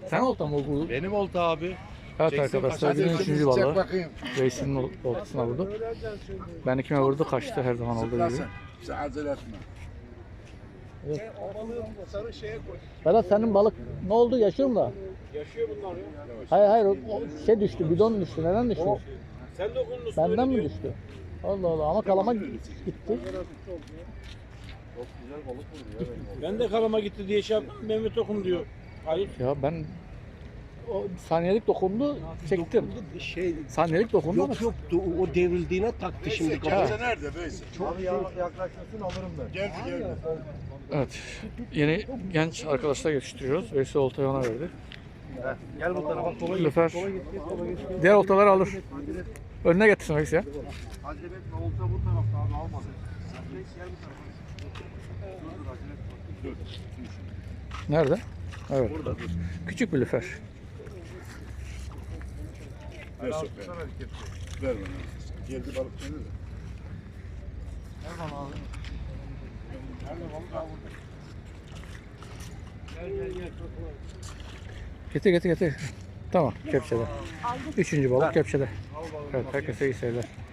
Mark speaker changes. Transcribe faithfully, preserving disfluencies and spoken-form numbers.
Speaker 1: Sen olta mı bu?
Speaker 2: Benim olta abi.
Speaker 1: Evet
Speaker 2: Çeksin,
Speaker 1: arkadaşlar
Speaker 2: kaçar.
Speaker 1: günün üçüncü
Speaker 3: Çek
Speaker 1: balığı.
Speaker 3: bakayım.
Speaker 1: Reis'in ol- oltasına vurdu. Ben ikime vurdu kaçtı her zaman olduğu gibi.
Speaker 3: Zıplasın. Sen acele etme.
Speaker 1: Berat senin balık ne oldu yaşıyor mu da?
Speaker 2: Yaşıyor bunlar ya.
Speaker 1: Hayır hayır o, o şey düştü bidon düştü neden düştü?
Speaker 2: Sen dokundun.
Speaker 1: Benden mi düştü? Allah Allah ama kalama gitti.
Speaker 2: Ben de kalama gitti diye şey yaptım. Mehmet Okum diyor. Hayır.
Speaker 1: Ya ben o saniyelik dokundu çektim.
Speaker 4: Şey
Speaker 1: Saniyelik dokundu ama
Speaker 4: yok yoktu o, o devrildiğine taktı şimdi
Speaker 3: Veysel
Speaker 4: kafaya.
Speaker 3: kepçe nerede Veysel?
Speaker 4: Çok şey.
Speaker 2: yaklaşmasın alırım ben.
Speaker 3: Geldi geldi.
Speaker 1: evet yeni genç arkadaşlar yetiştiriyoruz. Veysel oltayı ona verdi.
Speaker 2: Gel bu tarafa sola git.
Speaker 1: Lüfer
Speaker 2: Sola git. Sola git.
Speaker 1: diğer oltaları alır. Önüne getirsin Veysel ya.
Speaker 2: Acele etme. Olta bu tarafta abi almasın. Reis gel bu tarafa. Dur dur acele etme. Dur.
Speaker 1: Nerede? Evet. Küçük bir lüfer.
Speaker 3: Ver sok ver. Ver bana. Geldi balık seni de.
Speaker 2: Ver bana abi. Nerede balık abi? Gel gel gel.
Speaker 1: Getir getir getir. Tamam kepçede. Üçüncü balık kepçede. Evet herkese iyi seyirler.